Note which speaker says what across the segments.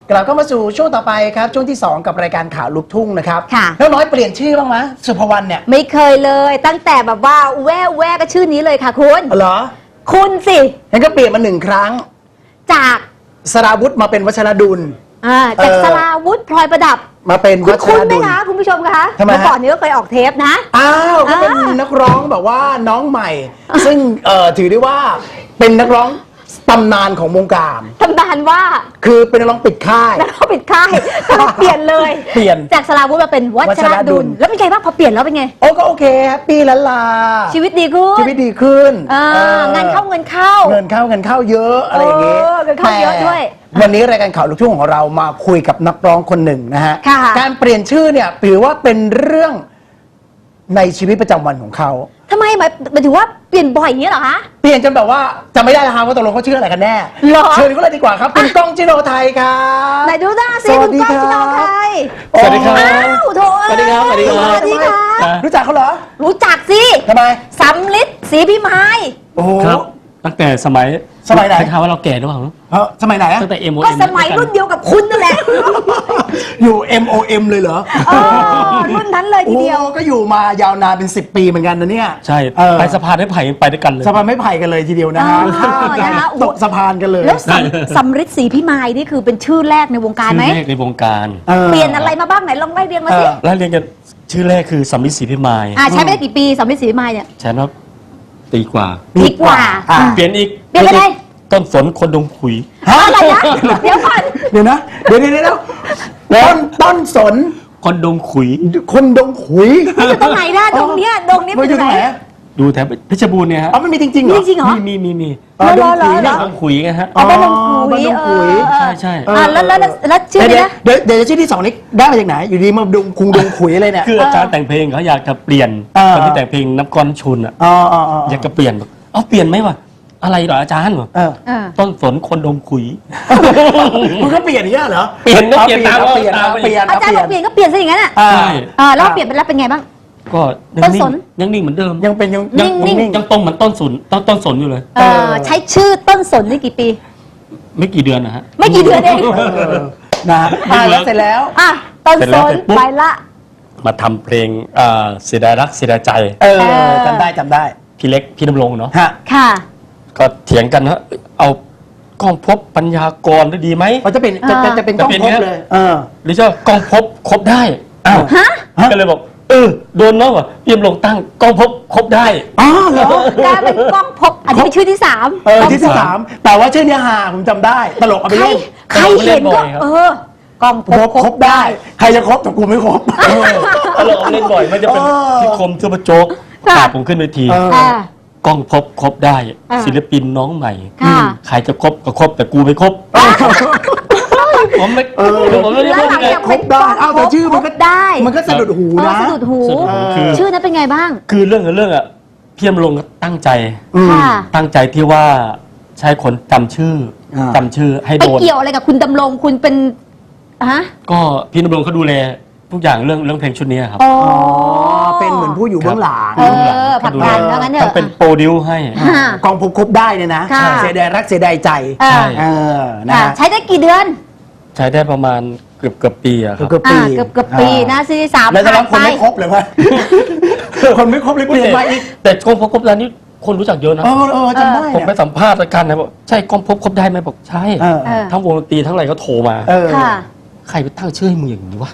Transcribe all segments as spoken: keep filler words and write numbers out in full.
Speaker 1: กลับเข้ามาสู่ช่วงต่อไปครับช่วงที่สองกับรายการข่าวลูกทุ่งนะครับ
Speaker 2: ค่ะ
Speaker 1: แล้วน้อยเปลี่ยนชื่อบ้างไหมสุภวรรณเนี่ย
Speaker 2: ไม่เคยเลยตั้งแต่แบบว่าแว่แว่ก็ชื่อนี้เลยค่ะคุณ
Speaker 1: เหรอ
Speaker 2: คุณสิ
Speaker 1: งั้นก็เปลี่ยนมาหนึ่งครั้ง
Speaker 2: จาก
Speaker 1: สราวุธมาเป็นวัชรดุล
Speaker 2: อ่าจาก
Speaker 1: เออ
Speaker 2: สราวุธพลอยประดับ
Speaker 1: มาเป็น
Speaker 2: คุ
Speaker 1: วั
Speaker 2: ณ
Speaker 1: ช
Speaker 2: คุณ
Speaker 1: ร
Speaker 2: ไหม
Speaker 1: ดุล
Speaker 2: คะคุณผู้ชมคะ
Speaker 1: ทำไมฮะ
Speaker 2: เมื่อก่อนนี้ก็เคยออกเทปนะ
Speaker 1: อ้าวก็เป็น
Speaker 2: อ่า
Speaker 1: นักร้องแบบว่าน้องใหม่ ซึ่งเอ่อถือได้ว่าเป็นนักร้องตำนานของวงการ
Speaker 2: ตำนานว่า
Speaker 1: คือเป็นนักร้องปิดค่าย
Speaker 2: แล้วก็ปิดค่ายต้องเปลี่ยนเลย
Speaker 1: เปลี่ยน
Speaker 2: จากสราวุธมาเป็นวั
Speaker 1: วั
Speaker 2: ช
Speaker 1: ช
Speaker 2: ร
Speaker 1: รดุ
Speaker 2: ดุ
Speaker 1: ล
Speaker 2: ลแล้วเป็นไงบ้างพอเปลี่ยนแล้วเป็นไง
Speaker 1: โอ้ก็โอเคแฮปปี้ละลา
Speaker 2: ชีวิตดีขึ้น
Speaker 1: ชีวิตดีขึ้น
Speaker 2: อ่า
Speaker 1: ออง
Speaker 2: านเข้าเงินเข้า
Speaker 1: เงินเข้าเงินเข้าเยอะอะไรอย่างเงี้ย
Speaker 2: เออเงินเข้าเยอะด้วย
Speaker 1: แต่วันนี้รายการข่าวลูกทุ่งของเรามาคุยกับนักร้องคนหนึ่งนะฮะ
Speaker 2: ค่ะ
Speaker 1: การเปลี่ยนชื่อเนี่ยถือว่าเป็นเรื่องในชีวิตประจำวันของเขา
Speaker 2: ทำไมหมายหมายถึงว่าเปลี่ยนบ่อยอย่างนี้เหรอคะ
Speaker 1: เปลี่ยนจนแบบว่าจำไม่ได้แล้วครับว่าตกลงเขาชื่ออะไรกันแน่
Speaker 2: หรอ
Speaker 1: เชิญเขาเลยดีกว่าครับคุณก้องจิโนไทยครับ
Speaker 2: ไหนดูหน้าสิ
Speaker 1: สวั
Speaker 2: คุ
Speaker 1: ส
Speaker 2: ณ
Speaker 1: ดี
Speaker 2: ก้อง
Speaker 1: ครับ
Speaker 2: ที่น้องไทย
Speaker 3: สวัสดีครับ
Speaker 2: อ้าวโถ
Speaker 3: สวัสดีครับสวัสดีครับ
Speaker 2: สวัสดีค่ะ
Speaker 1: รู้จักเขาเหรอ
Speaker 2: รู้จักสิ
Speaker 1: ทำไม
Speaker 2: สำลิดศรีพิมาย
Speaker 1: โอ้โห
Speaker 3: ครับตั้งแต่สมัย
Speaker 1: สมัยไหน
Speaker 3: ใช้คำว่าเราแก่หรือเปล่า
Speaker 1: เออสมัยไหนอะ
Speaker 3: ตั้งแต่ เอ็ม โอ
Speaker 2: ก็
Speaker 3: เอ็ม
Speaker 2: สมัยรุ่นเดียวกับคุณนั่นแหละ
Speaker 1: อยู่ เอ็ม โอ เอ็ม เลยเหรอ
Speaker 2: เออรุ่นนั้นเลยทีเดียว
Speaker 1: โอ้ก็อยู่มายาวนานเป็นสิบปีเหมือนกันนะเนี่ย
Speaker 3: ใช่
Speaker 1: เออ
Speaker 3: ไปสะพานได้ไผ่ไปด้วยกันเลย
Speaker 1: สะพานไม่ไผ่กันเลยทีเดียวนะฮะ
Speaker 2: อ๋อ
Speaker 1: ข้ามกั
Speaker 2: นะ
Speaker 1: น
Speaker 2: ฮะ
Speaker 1: ตกสะพานกันเลย
Speaker 2: แล้วสำสำริดศรีพิมายนี่คือเป็นชื่อแรกในวงการ
Speaker 3: ชื่
Speaker 2: ไหม
Speaker 3: อแรกในวงการ
Speaker 1: ออ
Speaker 2: เปลี่ยนอะไรมาบ้างไหนลองไล่เรียงมาสิ
Speaker 1: เออ
Speaker 3: แล้วเรียนกันชื่อแรกคือสำลิดศรีพิมาย
Speaker 2: อ่าใช้ไปได้กี่ปีสำริดศรีพิมายเนี่ย
Speaker 3: ใช้มาตีกว่า
Speaker 2: ดีกว่า
Speaker 1: อ่ะ
Speaker 3: เปลี่ยนอีก
Speaker 2: เปลี่ยนไปเลย
Speaker 3: ต้นสนคนดงขุย
Speaker 2: อะไรนะเดี๋ยวก่อน
Speaker 1: เดี๋ยวนะ เดี๋ยวเดี๋ยวเดี๋ยวต้นต้นสน
Speaker 3: คนดงขุย
Speaker 1: คนดงขุย
Speaker 2: มันอยู่ตรงไหนนะดงเนี้ยดงเนี้ย
Speaker 1: มั
Speaker 2: เป็น น
Speaker 1: อยู่
Speaker 2: ไห
Speaker 1: ตร
Speaker 2: น
Speaker 1: งไหนอะ
Speaker 3: ดูแถวเพชรบูรณ์เนี่ยฮะ
Speaker 1: อ๋อมันมีจริงๆเหรอ
Speaker 2: จริงเหรอ
Speaker 3: มีมีมีมี
Speaker 1: อ๋อ
Speaker 2: เหรอ
Speaker 1: ดงขุย
Speaker 2: เหรอ
Speaker 3: ดงขุยไงฮะ
Speaker 2: อ๋อบ้านดง
Speaker 1: อ๋อ
Speaker 2: ขุ
Speaker 1: บ้าน
Speaker 2: ย
Speaker 1: ดงขุย
Speaker 2: เออเออ
Speaker 3: ใช่ใช่
Speaker 2: อ่าแล้วแล้วแล้วแล้วชื่อ
Speaker 1: เดี๋
Speaker 2: นี้
Speaker 1: ยว
Speaker 2: นะ
Speaker 1: เดี๋ยวเดี๋ยวชื่อที่สองนี้ได้มาจากไหน อยู่ดีมาดงคุงดงขุยอะไรเนี่ย
Speaker 3: คืออาจารย์แต่งเพลงเขาอยากจะเปลี่ยน
Speaker 1: เออ
Speaker 3: ตอนที่แต่งเพลงน้ำก้อนชุนอ่ะ
Speaker 1: อ๋ออ๋ออ๋อ
Speaker 3: อยากจะเปลี่ยนบอกเอ้าเปลี่ยนไหมวะอะไรเหรออาจารย์บอก
Speaker 1: เออ
Speaker 2: เออ
Speaker 3: ต้นสนคนดงขุย
Speaker 1: มันก็เปลี่ยนอย่างเงี้ยเหรอ
Speaker 3: เปลี่ยนนะ
Speaker 1: อา
Speaker 3: เปลี่ยนตาม
Speaker 1: เอาเปลี่ยน
Speaker 3: ตาม
Speaker 1: เอาเปลี่ยน
Speaker 2: อาจารย์บอกเปลี่ยนก็เปลี่ยนซะอย่างนั้นอ่ะ
Speaker 1: อ่า
Speaker 3: ใช่
Speaker 2: อ่าแล้วเปลี่ยนไปแล้วเป็นไงบ้าง
Speaker 3: ก็
Speaker 2: ต้นสน
Speaker 3: ยังนิ่งเหมือนเดิม
Speaker 1: ยังเป็นยัง
Speaker 2: นิ่งๆ
Speaker 1: ยังนิ่ง
Speaker 3: ยังตรงเหมือนต้นสนต้นต้นสนอยู่เลย
Speaker 2: เออใช้ชื่อต้นสนนี่กี่ปี
Speaker 3: ไม่กี่เดือนนะฮะ
Speaker 2: ไม่กี่เดือนเอง
Speaker 1: เออนะอ่าแล้วเสร็จแล้ว
Speaker 2: อ่ะต้น
Speaker 3: เสร็จ
Speaker 2: ส
Speaker 3: แล้ว
Speaker 2: น
Speaker 3: เสร็จปุ๊บ
Speaker 2: ไปละ
Speaker 3: มาทำเพลงอ่าเสียดายรักเสียดายใจ
Speaker 1: เออ
Speaker 2: เออ
Speaker 1: จำได้จำได้
Speaker 3: พี่เล็กพี่ดำรงเนาะ
Speaker 1: ฮะ
Speaker 2: ค่ะ
Speaker 3: ก็เถียงกันนะเอากล้องพบปัญญากรได้ดีไหม
Speaker 1: มันจะเป็นจะจะจะเป็นกล้อง
Speaker 3: จะเป็น
Speaker 1: พบ
Speaker 3: ไง
Speaker 1: เลย เออ
Speaker 3: หรือจะกล้องพบครบได้อ้าว
Speaker 2: ฮะ
Speaker 1: ฮะ
Speaker 3: ก็เลยบอกเออโดนแล้วว่ะพี่ดำรงตั้งกล้องพบครบได้
Speaker 1: อ๋อเหรอ
Speaker 2: กลายเป็นกล้องพบอันนี้เป็นชื่อที่สาม
Speaker 1: เออที่ที่สามแต่ว่าชื่อเนี้ยฮาผมจำได้ ตลกเอาไป
Speaker 2: ใคร
Speaker 1: เล่น
Speaker 2: ใครเห็นก็เออกล้องพ
Speaker 1: คร
Speaker 2: บบ
Speaker 1: ครบได้ ใครจะครบแต่กูไม่ครบ
Speaker 3: ตลกเอาเล่นบ่อยมันจะเป็น
Speaker 1: เออ
Speaker 3: พี่คมซูเปอร์โจ๊ก
Speaker 2: ค่ะ
Speaker 3: พาผมขึ้นเวที
Speaker 1: เออ
Speaker 2: อ่าก
Speaker 3: ล้องพบครบได้
Speaker 2: อ่า
Speaker 3: ศิลปินน้องใหม่
Speaker 2: ค่ะ
Speaker 3: ใครจะครบก็ครบแต่กูไม่ครบผมไม่
Speaker 1: เออ
Speaker 3: ผมไม่ได้
Speaker 2: แล้ว
Speaker 3: ครบ
Speaker 2: หลัง
Speaker 3: ไง
Speaker 2: จาก
Speaker 1: ครบได้อ้าวแต่ชื่อมันก็
Speaker 2: พบได้
Speaker 1: มันก็สะดุดหู
Speaker 2: เออ
Speaker 1: นะ
Speaker 2: สะดุดหู
Speaker 3: สะดุดหูคือ
Speaker 2: ชื่อนั้นเป็นไงบ้าง
Speaker 3: คือเรื่องกับเรื่องอ่ะพี่ดำรงก็ตั้งใจ
Speaker 1: อืม
Speaker 2: ค่ะ
Speaker 3: ตั้งใจที่ว่าใช้คนจำชื่ออา จำชื่อให้
Speaker 2: ไป
Speaker 3: โดน
Speaker 2: เกี่ยวอะไรกับคุณดำรงคุณเป็นฮะ
Speaker 3: ก็พี่ดำรงเขาดูแลทุกอย่างเรื่องเรื่องเพลงชุดนี้ครับ
Speaker 2: อ๋อ
Speaker 1: อ๋อ เป็นเหมือนผู้อยู่เบื้องหลัง
Speaker 2: เออผลักดันแล้วงั้นเถ
Speaker 3: ต้อง
Speaker 2: อะ
Speaker 3: เป็นโปรดิวให้
Speaker 2: ค่ะ
Speaker 1: กองพบครบได้เนี่ยนะ
Speaker 2: ค่ะ
Speaker 1: เสียดายรักเสียดายใจ
Speaker 2: เออ
Speaker 3: ใช่
Speaker 1: เออ นะ
Speaker 2: ค่ะ
Speaker 1: ฮะ
Speaker 2: ใช้ได้กี่เดือน
Speaker 3: ใช้ได้ประมาณเกือบเกือบปีอะครับ
Speaker 1: เกือบปี
Speaker 2: อ่าเกือบเกือบปีนะซีรีส์สาม
Speaker 1: แล้วตอน
Speaker 2: ผ่า
Speaker 1: นั้น นคน
Speaker 2: ไป
Speaker 1: ไม่ครบเลยวะ คนไม่ครบเลยเปลี่ยนมาอีก
Speaker 3: แต่กล้องพบครบได้นี่คนรู้จักเยอะนะ
Speaker 1: เออเออจำได้
Speaker 3: ผมไป
Speaker 1: เนี่ย
Speaker 3: สัมภาษณ์รายการนะบอกใช่กล้องพบครบได้ไหมบอกใช่
Speaker 1: เออ
Speaker 2: เออ
Speaker 3: ทั้งวงดนตรีทั้งอะไรก็โทรมา
Speaker 1: เออ
Speaker 2: ค่ะ
Speaker 3: ใครไปตั้งชื่อให้มึงอย่างนี้วะ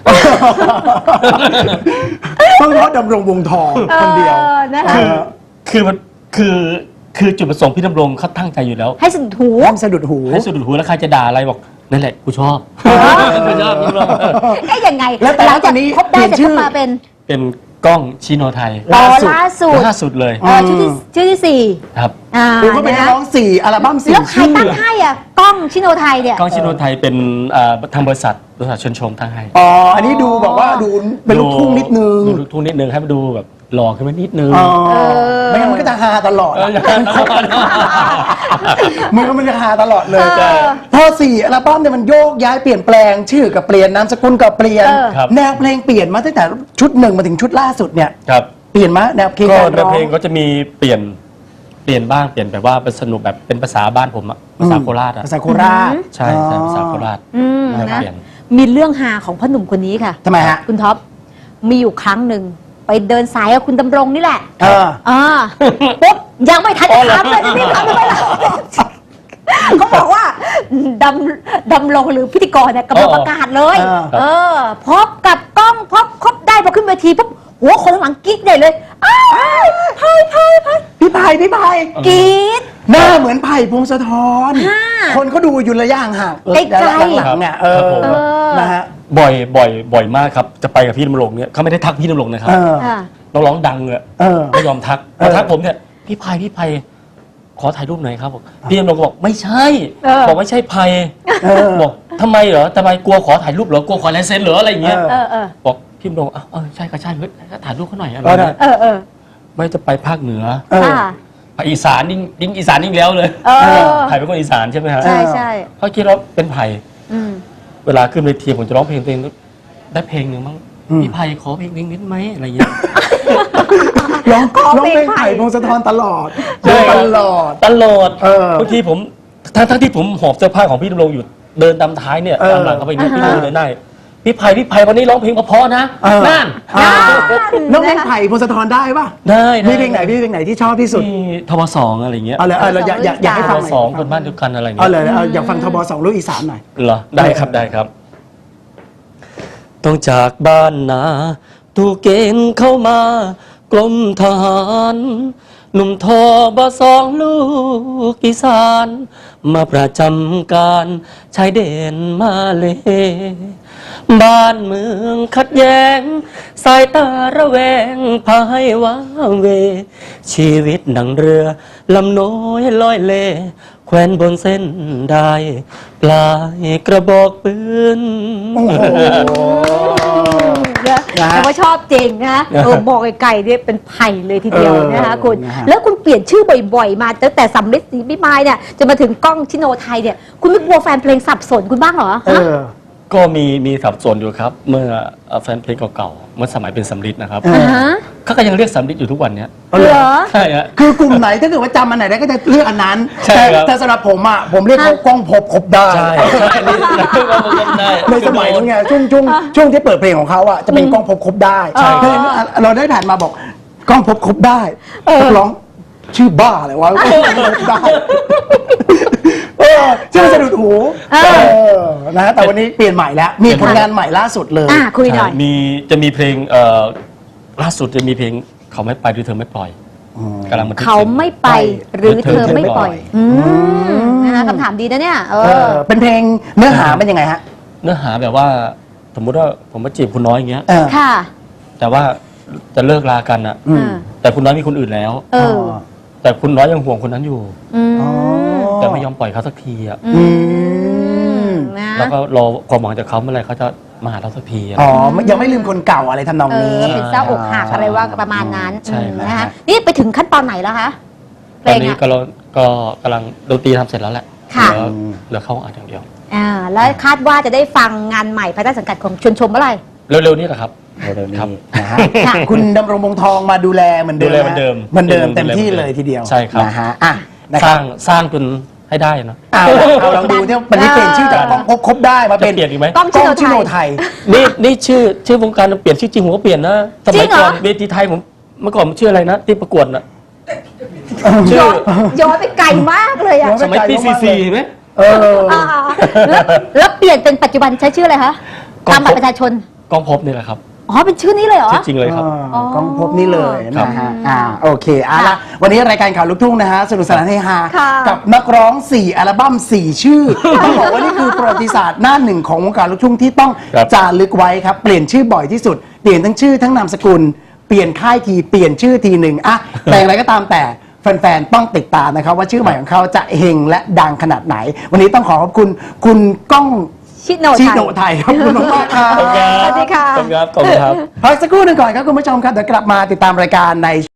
Speaker 1: เพิ่งเพราะดำรงวงทองคนเดียว
Speaker 2: เออนะคะ
Speaker 1: เออ
Speaker 3: คือมันคือคือจุดประสงค์พี่ดำรงเขาตั้งใจอยู่แล้ว
Speaker 2: ให้สะดุดหู
Speaker 1: ห้ามสะดุดหู
Speaker 3: ให้สุดหูแล้วใครจะด่าอะไรบอกนั่นแหละกูชอบกูชอบกูชอบ
Speaker 2: เอ๊ะยังไง
Speaker 1: แล้วแต่
Speaker 2: หลังจาก
Speaker 1: ตอนนี้
Speaker 2: คบได้
Speaker 1: เปลี่ยน
Speaker 2: เสร็จ
Speaker 1: ชื่
Speaker 2: ก็
Speaker 1: อ
Speaker 2: มาเป็น
Speaker 3: เป็นกล้องชิโนไทย
Speaker 2: อ๋อ
Speaker 1: ล่าสุด
Speaker 2: ล่าสุด
Speaker 3: ล่าสุดเลย
Speaker 2: เออชื่อที่ชื่อที่สี่
Speaker 3: ครับ
Speaker 2: อ่า
Speaker 1: คือเขาเป็นนัก
Speaker 2: นะ
Speaker 1: ร้องสี่อัลบั้มสี่
Speaker 2: แล้วใคร
Speaker 1: ชื่อ
Speaker 2: ตั้งให้อ่ะกล้องชิโนไทยเนี่ย
Speaker 3: กล้องชิโนไทยเป็นอ่าทางบริษัทบริษัทชนชมทางให้
Speaker 1: อ๋อ อันนี้ดูแบบว่าดูเป็นลูกทุ่งนิดนึง
Speaker 3: ดูลูกทุ่งนิดนึงให้มันดูแบบหล่อขึ้นมานิดนึง
Speaker 1: อ๋อ
Speaker 2: เออ
Speaker 1: ไม่งั้นมันก็จะฮาตลอด
Speaker 3: เออ
Speaker 1: อะ
Speaker 3: อย่างนั้น
Speaker 1: มันก็มันจะฮาตลอดเลย
Speaker 2: เออ
Speaker 1: พอสี่อัลบั้มเนี่ยมันโยกย้ายเปลี่ยนแปลงชื่อกับเปลี่ยนนามสกุลกับเปลี่ยน
Speaker 2: เออ
Speaker 3: ครับ
Speaker 1: แนวเพลงเปลี่ยนมาตั้งแต่ชุดหนึ่งมาถึงชุดล่าสุดเนี่ย
Speaker 3: ครับ
Speaker 1: เปลี่ยนมาแนวเพลง
Speaker 3: ก็
Speaker 1: การ
Speaker 3: ใน
Speaker 1: ร้อง
Speaker 3: เพลงก็จะมีเปลี่ยนเปลี่ยนบ้างเปลี่ยนแบบว่าเป็นสนุกแบบเป็นภาษาบ้านผมอะภาษาโคราชอะ
Speaker 1: ภาษาโคราช
Speaker 3: ใช่ใช่ภาษาโคราช
Speaker 2: อืม
Speaker 3: ไม่
Speaker 2: นะ
Speaker 3: เปลี่ยน
Speaker 2: มีเรื่องฮาของพ่อหนุ่มคนนี้ค่ะ
Speaker 1: ทำไมฮะ
Speaker 2: คุณท็อปมีอยู่ครั้งหนึ่งไปเดินสายกับคุณดำรงนี่แหละ
Speaker 1: เออ
Speaker 2: อ่าปุ๊บยังไม่ทัน
Speaker 3: อ๋
Speaker 2: จะ
Speaker 3: อเหรอ
Speaker 2: ถามเลยจะรีบถามทำไมล่ะเขาบอกว่าดำดำรงหรือพิธีกรเนี่ยกำลังประกาศเลย
Speaker 1: เออ
Speaker 2: เออพบกับกล้องพบครบได้พอขึ้นเวทีปุ๊บหัวคนข้างหลังกรี๊ดใหญ่เลยอ้าวไพ่ไพ่ไพ่
Speaker 1: พี่ไผ่พี่ไผ่
Speaker 2: กรี๊ด
Speaker 1: หน้าเหมือนไผ่พงศธร
Speaker 2: ค่ะ
Speaker 1: คนเขาดูอยู่ระยะห่าง
Speaker 2: ใกล้ๆ
Speaker 1: หลังๆเนี่ยเอ
Speaker 3: ครับ
Speaker 1: อ
Speaker 3: ผม
Speaker 1: นะฮะ
Speaker 3: บ่อยบ่อยบ่อยมากครับจะไปกับพี่ดำรงเนี่ยเขาไม่ได้ทักพี่ดำรงนะครับ
Speaker 1: เออ
Speaker 2: ค่ะ
Speaker 3: น้องร้องดังเลย
Speaker 1: เออ
Speaker 3: ไม่ยอมทัก
Speaker 1: เออ
Speaker 3: มาทักผมเนี่ยพี่ไพพี่ไพขอถ่ายรูปหน่อยครับบอกพี่ดำรงก็บอกไม่ใช่
Speaker 2: เออ
Speaker 3: บอกไม่ใช่ไพ
Speaker 1: เออ
Speaker 3: บอกทำไมเหรอทำไมกลัวขอถ่ายรูปเหรอกลัวขอลายเซ็นเหรออะไรอย่างเงี้ย
Speaker 1: เอ
Speaker 2: เออเออ
Speaker 3: บอกพี่ดำรงอ่ะเออใช่ก็ใช่เฮ้ยถ่ายรูปเขาหน่อยอะไร
Speaker 1: เออ
Speaker 3: เงี้ย
Speaker 2: เออเออ
Speaker 3: ไม่จะไปภาคเหนือ
Speaker 1: เออ
Speaker 2: ค่ะ
Speaker 3: ภาคอีสานยิ่งยิ่งอีสานยิ่งแล้วเลย
Speaker 2: เออ
Speaker 3: ไผ่เป็นคนอีสานใช่ไหมฮะ
Speaker 2: ใช่ใช่
Speaker 3: เขาคิดว่าเป็นไผ่
Speaker 2: อืม
Speaker 3: เวลาขึ้นเวทีผมจะร้องเพลงตัวเองได้เพลงหนึ่งมั้ง
Speaker 1: อืม
Speaker 3: พี่ไผ่ขอเพลงนิดนิดไหมอะไรเงี้ย
Speaker 1: ร้อง
Speaker 2: ขอ
Speaker 1: ร้อง
Speaker 2: เพลง
Speaker 1: เพลง
Speaker 2: ไผ่
Speaker 1: ไผ่พงศธรตลอด
Speaker 3: ใช่
Speaker 1: ตลอด
Speaker 3: ตลอด
Speaker 1: เออ
Speaker 3: บางทีผมทั้งทั้งที่ผมหอบเสื้อผ้าของพี่ดำรงอยู่เดินตามท้ายเนี่ย
Speaker 1: เออ
Speaker 3: ตามหลังเขาไปเนี่ย
Speaker 2: อ่า
Speaker 3: พี่
Speaker 2: ฮะ
Speaker 3: ดูเลยได้พี่ไผ่พี่ไผ่วันนี้ร้องเพลงเพราะๆนะ
Speaker 1: เออ
Speaker 3: นั่น
Speaker 1: อ่า
Speaker 2: นั่น
Speaker 1: น้องเพลงไผ่พงศธรได้ป่ะ
Speaker 3: ได้ด้
Speaker 1: มีเพลงไหนพี่เพลงไหนที่ชอบที่สุด
Speaker 3: มีทบสองอะไรเงี้ย
Speaker 1: เอาเลยเอาเลยอยากอยากอยากให้
Speaker 3: ท
Speaker 1: ฟัง
Speaker 3: บ
Speaker 1: หน่อย
Speaker 3: สองคนบ้านเดียวกันอะไร
Speaker 1: เอา
Speaker 3: เงี้ย
Speaker 1: เลยเอาอยากฟังทบสองลูกอีสานหน่อย
Speaker 3: เหรอได้ครับได้ครับ ต้องจากบ้านนาถูกเกณฑ์เข้ามากรมทหารหนุ่มทอบสองลูกอีสาน มาประจำการชายเด่นมาเล บ้านเมืองขัดแย้ง สายตาระแวงพาให้ว้าเว ชีวิตดังเรือ ลำน้อยลอยเลแควนบนเส้นได้ปลายกระบอกปืน
Speaker 1: โอ้โห
Speaker 2: นะ
Speaker 1: นะ
Speaker 2: แต่ว่าชอบจริงนะเออบอกไกลๆเนี่ยเป็นไผ่เลยทีเดียว
Speaker 1: เออ
Speaker 2: นะคะคุณ
Speaker 1: นะฮะ
Speaker 2: แล้วคุณเปลี่ยนชื่อบ่อยๆ มาตั้งแต่สำลิดศรีพิมายเนี่ยจนมาถึงกล้องชิโนไทยเนี่ยคุณไม่กลัวแฟนเพลงสับสนคุณบ้างเหรอ
Speaker 1: เอ
Speaker 2: ฮะ
Speaker 1: อ
Speaker 3: ก็มีมีสับสนอยู่ครับ เมื่อเอ่อแฟนเพลงเก่าๆเมื่อสมัยเป็นสำลิดนะครับ
Speaker 1: เอ
Speaker 2: อ่าฮะ
Speaker 3: เขาก็ยังเรียกสำลิดอยู่ทุกวันเนี้ย
Speaker 1: เอาเลย
Speaker 2: เหรอ
Speaker 3: ใช่ฮะ
Speaker 1: คือกลุ่มไหนถ้าเกิดว่าจำอันไหนได้ก็จะเลือกอันนั้น
Speaker 3: ใช่
Speaker 1: แต่
Speaker 3: ครับ
Speaker 1: แต่สำหรับผมอ่ะผมเรียกเขา
Speaker 2: ฮะ
Speaker 1: กล้องพบครบได้
Speaker 3: ใช่ใช่อันนี้เราก็จำได้
Speaker 1: ในสมัยนั้นไงช่วงช่วงช่วงที่เปิดเพลงของเขาอ่ะจะเป็นกล้องพบครบได้
Speaker 2: ใช่
Speaker 1: เพลงนั้นเราได้ผ่านมาบอกกล้องพบครบได้
Speaker 2: เออ
Speaker 1: นักร้องชื่อบ้าอะไรวะกล้องพบครบได้เออชื่อสะดุดหู
Speaker 2: เออ
Speaker 1: เออนะแต่วันนี้เปลี่ยนใหม่แล้ว มีผลงานใหม่ล่าสุดเลย
Speaker 2: อ่ะคุยหน่อย
Speaker 3: ใช่มีจะมีเพลงเอ่อล่าสุดจะมีเพลงเขาไม่ไปหรือเธอไม่ปล่อยกำลังบันทึก
Speaker 2: เขา
Speaker 3: สียง
Speaker 2: ไม่ไปหรือเธอไม่ปล่อย
Speaker 3: เธอไม่ปล่อย
Speaker 2: อืมนะคะคำถามดีนะเนี่ยเอ
Speaker 1: เอ
Speaker 2: อ
Speaker 1: อเป็นเพลงเนื้อหาเป็นยังไงฮะ
Speaker 3: เนื้อหาแบบว่า สมมุติว่าผมมาจีบคุณน้อยอย่างเงี้ย
Speaker 1: เออ
Speaker 2: ค่ะ
Speaker 3: แต่ว่าจะเลิกลากันอะ
Speaker 1: อืม
Speaker 2: อ่า
Speaker 3: แต่คุณน้อยมีคนอื่นแล้ว
Speaker 2: เออ
Speaker 3: แต่คุณน้อยยังห่วงคนนั้นอยู่
Speaker 2: อืม
Speaker 1: อ๋อ
Speaker 3: แต่ไม่ยอมปล่อยเขาสักทีอะ
Speaker 1: อืม
Speaker 2: นะ
Speaker 3: แล้วก็รอความหวังจากเขาเมื่อไหร่เขาจะมาหาเราสักทีอะ
Speaker 1: อ๋อยังไม่ลืมคนเก่าอะไรทำนอง
Speaker 2: เอ
Speaker 1: นี้
Speaker 2: อเป็นเศร้าอกหักอะไรว่าประมาณนั้น
Speaker 3: ใช่
Speaker 2: อืม
Speaker 3: ครับ
Speaker 2: นะคะนี่ไปถึงขั้นตอนไหนแล้วคะเพ
Speaker 3: ต
Speaker 2: ล
Speaker 3: อน
Speaker 2: ง
Speaker 3: นี้
Speaker 2: อ่ะ
Speaker 3: ก็เราก็กำลังดนตรีทำเสร็จแล้วแหละ
Speaker 2: ค่ะ
Speaker 3: เหลือเหลือเข้าอัดอย่างเดียว
Speaker 2: อ่าแล้วคาดว่าจะได้ฟังงานใหม่ภายใต้สังกัดของชวนชมเมื่อไหร่
Speaker 3: เร็วๆนี้แหละครับ
Speaker 1: เร็วๆนี้
Speaker 3: ครับ
Speaker 1: นะฮะ
Speaker 2: ค่ะ
Speaker 1: คุณดำรงวงทองมาดูแลเหมือนเดิม
Speaker 3: ดูแลเหมือนเดิม
Speaker 1: เหมือนเดิม
Speaker 3: ดูแล
Speaker 1: เต็มที่
Speaker 3: เหมือนเดิม
Speaker 1: เลยทีเดียว
Speaker 3: ใช่ครับ
Speaker 1: นะฮะอ่ะนะ
Speaker 3: ส
Speaker 1: ครั
Speaker 3: ร้า
Speaker 1: บ
Speaker 3: งสร้างจนให้ได้นะ
Speaker 1: เอาละเอาลองดูที่วันนี้เปลี่ยนชื่อจากกล้องพบครบได้มาเป็น
Speaker 3: จะเปลี่ยนอีกไหม
Speaker 2: กล้อง
Speaker 1: กล้อง
Speaker 2: ชิ
Speaker 1: ชิ
Speaker 2: โน
Speaker 1: โน
Speaker 2: ไท
Speaker 1: ไท
Speaker 2: ย
Speaker 1: ย
Speaker 3: นี่นี่ชื่อชื่อวงการเปลี่ยนชื่อจริงผมก็เปลี่ยนนะส
Speaker 2: จริ
Speaker 3: มัย
Speaker 2: งเหรอ
Speaker 3: ก่อนเวทีไทยผมเมื่อก่อนผมชื่ออะไรนะที่ประกวดน่ะ ชื่อ
Speaker 2: ย้อนย้อนไปไกลมากเลยอ่ะ
Speaker 1: ย้อน
Speaker 3: สมัยปีซีซีไหม
Speaker 1: เออ
Speaker 2: อ่าแล้วแล้วเปลี่ยนเป็นปัจจุบันใช้ชื่ออะไรคะ
Speaker 3: กล้อง
Speaker 2: ตามบัตรประชาชน
Speaker 3: กล้องพบนี่แหละครับ
Speaker 2: อ๋อเป็นชื่อนี้เลยเหรอ
Speaker 3: ชื่อจริงเลยครับ
Speaker 1: อ่ากล้องพบนี่เลย
Speaker 3: ครั
Speaker 1: นะ
Speaker 3: บ
Speaker 1: ฮะอ่าโอเคเอาละวันนี้รายการข่าวลูกทุ่งนะฮะสนุกสนานให้ฮา
Speaker 2: ค่ะ
Speaker 1: กับนักร้องสี่อัลบั้มสี่ชื่อต้องบอกว่านี่คือประวัติศาสตร์หน้าหนึ่งของวงการลูกทุ่งที่ต้อง
Speaker 3: ครับ
Speaker 1: จารึกไว้ครับเปลี่ยนชื่อบ่อยที่สุดเปลี่ยนทั้งชื่อทั้งนามสกุลเปลี่ยนค่ายทีเปลี่ยนชื่อทีหนึ่งอะแต่อย่างไรก็ตามแต่แฟนๆต้องติดตามนะครับว่าชื่อใหม่ของเขาจะเฮงและดังขนาดไหน วันนี้ต้องขอขอบคุณคุณก้อง
Speaker 2: ชิโน
Speaker 1: ชิ
Speaker 2: ไทย
Speaker 1: โนไทยครับขอบคุณมากๆครับ
Speaker 2: สวัสดีค่ะ
Speaker 3: ขอบคุณครับขอบคุณครับ
Speaker 1: พักสักครู่หนึ่งก่อนครับคุณผู้ชมครับเดี๋ยวกลับมาติดตามรายการใน